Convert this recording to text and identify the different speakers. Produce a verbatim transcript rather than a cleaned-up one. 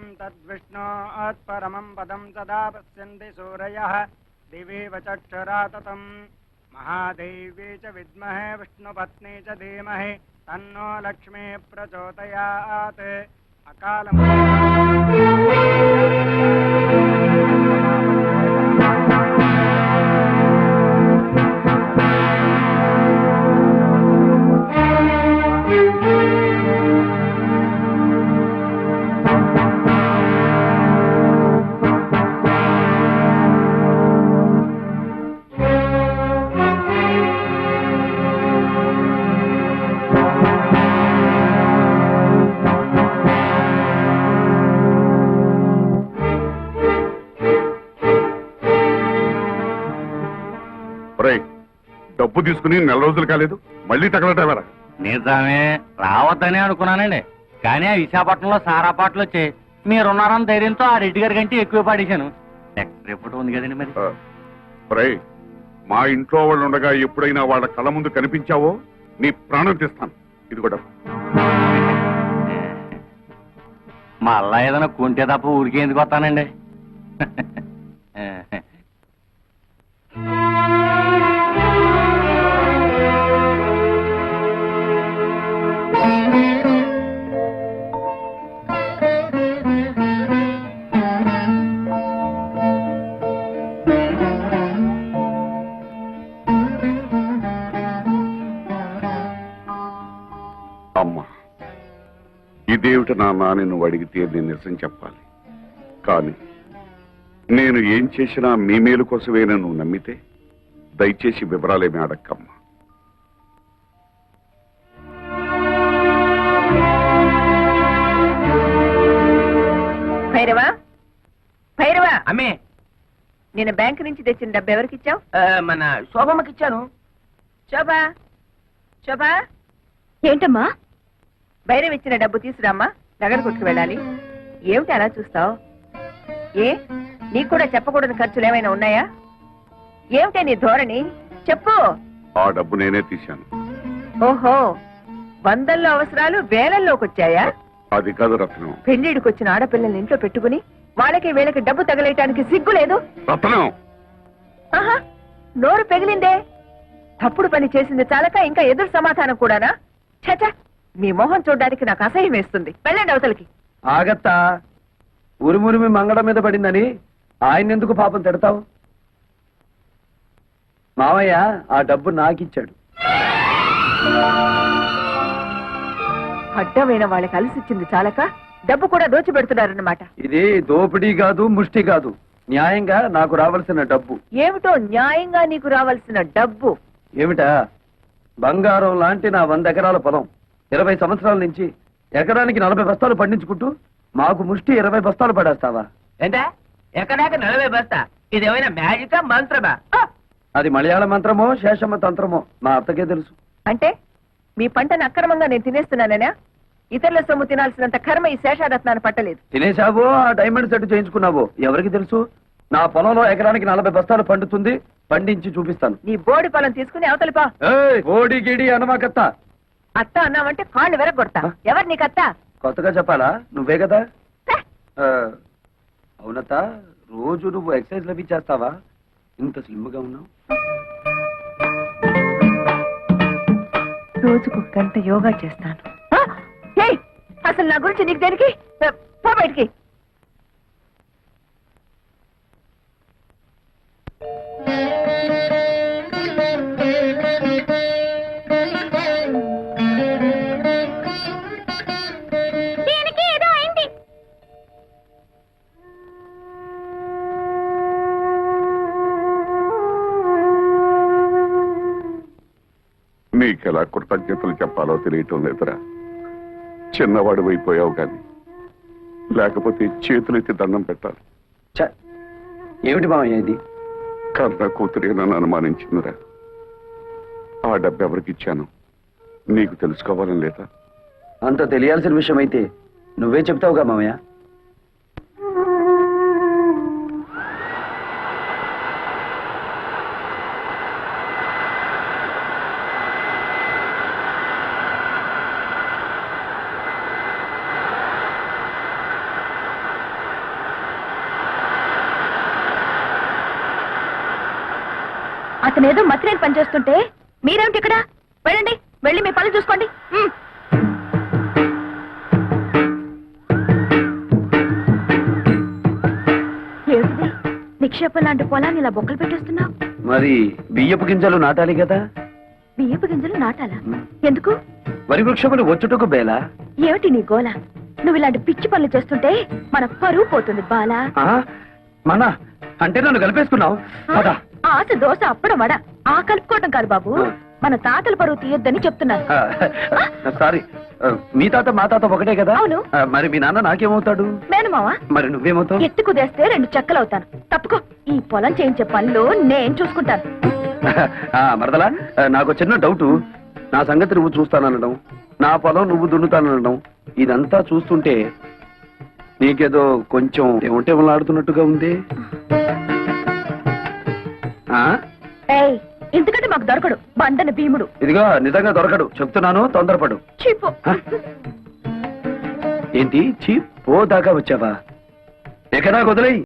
Speaker 1: तद्विष्णोत्परमं पदं सदा पश्यन्ति सूरयः दिवेव चक्षुरा ततं महादेवी च विद्महे विष्णुपत्नी च धीमहि तन्नो लक्ष्मी प्रचोदयात् अकालं
Speaker 2: డబ్బు తీసుకుని నెల రోజులు కాలేదు మళ్ళీ తగలటవరా?
Speaker 3: నిజమే, రావద్దని అనుకున్నానండి. కానీ ఆ విశాఖపట్నంలో సారా పాటలు వచ్చాయి. మీరున్నారని ధైర్యంతో ఆ రెడ్డి గారి కంటే ఎక్కువ పాడేశాను. నెక్స్ట్ రిపోర్ట్ ఉంది కదండి మరి.
Speaker 2: ఒరే, మా ఇంట్లో వాళ్ళు ఉండగా ఎప్పుడైనా వాళ్ళ కళ్ళ ముందు కనిపించావో నీ ప్రాణం తీస్తాను. ఇది కూడా
Speaker 3: మళ్ళా ఏదైనా కొంటే తప్ప ఊరికే ఎందుకు వస్తానండి.
Speaker 2: అమ్మా, ఇదేమిటి నాన్న అని నువ్వు అడిగితే నేను నిజం చెప్పాలి. కానీ నేను ఏం చేసినా మీ మేలు కోసమేనా నువ్వు నమ్మితే దయచేసి వివరాలేమి అడక్కమ్మా.
Speaker 4: భైరవా, భైరవా,
Speaker 5: అమ్మే,
Speaker 4: నేను బ్యాంక్ నుంచి తెచ్చిన డబ్బు ఎవరికి ఇచ్చావు?
Speaker 5: మన శోభమ్మకి ఇచ్చాను.
Speaker 4: శోభా, శోభా,
Speaker 6: ఏంటమ్మా?
Speaker 4: భైరవ్ ఇచ్చిన డబ్బు తీసురామ్మా, నగర కొట్టుకు వెళ్ళాలి. ఏమిటి అలా చూస్తావు? ఏ, నీకు కూడా చెప్పకూడని ఖర్చులు ఏమైనా ఉన్నాయా? ఏమిటే నీ ధోరణి? చెప్పు.
Speaker 2: ఆ డబ్బు నేనే తీశాను.
Speaker 4: ఓహో, వందల్లో అవసరాలు వేలల్లోకి వచ్చాయా?
Speaker 2: అది కాదు రత్నం.
Speaker 4: పెళ్లిడికి వచ్చిన ఆడపిల్లల్ని ఇంట్లో పెట్టుకుని వాళ్ళకి వీళ్ళకి డబ్బు తగలేయటానికి సిగ్గు లేదు?
Speaker 2: రత్నం,
Speaker 4: ఆహా, నోరు పెగిలిందే. తప్పుడు పని చేసింది చాలక ఇంకా ఎదురు సమాధానం కూడానా? చచ, మీ మొహం చూడడానికి నాకు అసహ్యం వేస్తుంది. వెళ్ళండి అవతలకి.
Speaker 5: ఆగత్తా, ఉరుమురిమి మంగళం మీద పడిందని ఆయన ఎందుకు పాపం తిడతావు? మావయ్య ఆ డబ్బు నాకిచ్చాడు.
Speaker 4: అడ్డమైన వాళ్ళకి అలసిచ్చింది చాలక డబ్బు కూడా దోచిపెడుతున్నారన్నమాట.
Speaker 5: ఇది దోపిడీ కాదు, ముష్టి కాదు, న్యాయంగా నాకు రావాల్సిన డబ్బు.
Speaker 4: ఏమిటో న్యాయంగా నీకు రావాల్సిన డబ్బు?
Speaker 5: ఏమిటా? బంగారం లాంటి నా వంద ఎకరాల పొలం ఇరవై సంవత్సరాల నుంచి ఎకరానికి నలభై బస్తాలు పండించుకుంటూ మాకు ముష్టి ఇరవై బస్తాలు పడేస్తావా?
Speaker 7: ఏంటా ఎక్కడాక నలభై బస్తా? ఇదేమైనా మ్యాజికా మంత్రమా?
Speaker 5: అది మలయాళ మంత్రమో శేషమ్మ తంత్రమో మా అత్తకే తెలుసు.
Speaker 4: అంటే మీ పంటను అక్రమంగా నేను తినేస్తున్నానేనా? ఇతరుల సొమ్ము తినాల్సినంత కర్మ ఈ శేషారత్నాన్ని పట్టలేదు.
Speaker 5: తినేశావో ఆ డైమండ్ సెట్ చేయించుకున్నావో ఎవరికి తెలుసు? నా పొలంలో ఎకరానికి నలభై బస్తాలు పండుతుంది, పండించి చూపిస్తాను.
Speaker 4: నీ బోడి పొలం తీసుకుని అవతలిపా.
Speaker 5: ఓడి గిడి అనమాకత్త.
Speaker 4: అత్త అన్నావంటే కాళ్ళు వెరగొడతా. ఎవరు నీకత్త?
Speaker 5: కొత్తగా చెప్పాలా? నువ్వే కదా. అవునత్త, రోజు నువ్వు ఎక్సర్సైజ్ లవి చేస్తావా? ఇంత స్లిమ్ గా ఉన్నావు.
Speaker 4: రోజుకు గంట యోగా చేస్తాను. అసలు నా గురించి నీకు దేనికి? పో బయటికి.
Speaker 2: నీకెలా కృతజ్ఞతలు చెప్పాలో తెలియటం లేదురా. చిన్నవాడు అయిపోయావు కానీ లేకపోతే చేతులెత్తి దండం పెట్టాలి.
Speaker 5: ఏమిటి మామయ్య ఇది?
Speaker 2: కన్న కూతురే నన్ను అనుమానించిందిరా. ఆ డబ్బు ఎవరికి ఇచ్చాను నీకు తెలుసుకోవాలని లేదా?
Speaker 5: అంత తెలియాల్సిన విషయం అయితే నువ్వే చెప్తావుగా మామయ్య.
Speaker 4: అతనేదో మతిరేని పని చేస్తుంటే మీరేమిటి ఇక్కడ? వెళ్ళండి, వెళ్ళి మీ పనులు చూసుకోండి. ఉమ్. ఏమిటిది? నిక్షేపం లాంటి పొలాన్ని ఇలా బొక్కలు పెట్టేస్తున్నావు.
Speaker 5: మరి బియ్యపు గింజలు నాటాలి కదా.
Speaker 4: బియ్యపు గింజలు నాటాలా? ఎందుకు?
Speaker 5: వరి వృక్షములు వచ్చుటకు బేలా.
Speaker 4: ఏమిటి నీ గోల? నువ్వు ఇలాంటి పిచ్చి పనులు చేస్తుంటే మన పరువు పోతుంది బాలా.
Speaker 5: ఆ? మన అంటే నన్ను కలిపేసుకున్నావు. పద.
Speaker 4: ఆశ దోశ అప్పడం వడ ఆ కలుపుకోవటం కాదు బాబు, మన తాతల పరువు తీయొద్దని చెప్తున్నాను.
Speaker 5: ఆ, సారీ. ఆ, మీ తాత మా తాత ఒకటే కదా.
Speaker 4: అవును.
Speaker 5: ఆ, మరి మీ నాన్న నాకేమవుతాడు?
Speaker 4: మేనమావా?
Speaker 5: మరి నువ్వేమవుతావు?
Speaker 4: ఎత్తు కుదేస్తే రెండు చెక్కలవుతాను. తప్పుకో, ఈ పొలం చేయించే పనులు నేను చూసుకుంటాను.
Speaker 5: ఆ, మరదలా, ఆ, నాకు చిన్న డౌట్. నా సంగతి నువ్వు చూస్తాననడం, నా పొలం నువ్వు దున్నుతాననడం, ఇదంతా చూస్తుంటే నీకేదో కొంచెం ఏమంటే ఆడుతున్నట్టుగా ఉంది. ఆ?
Speaker 4: ఏయ్, ఎందుకంటే మాకు దొరకడు బండన భీముడు.
Speaker 5: ఇదిగో నిజంగా దొరకడు, చెప్తున్నాను, తొందరపడు.
Speaker 4: చీపు.
Speaker 5: హ? ఏంటి చీ పో దాకా వచ్చావా? ఎక్కడా వదిలేయి.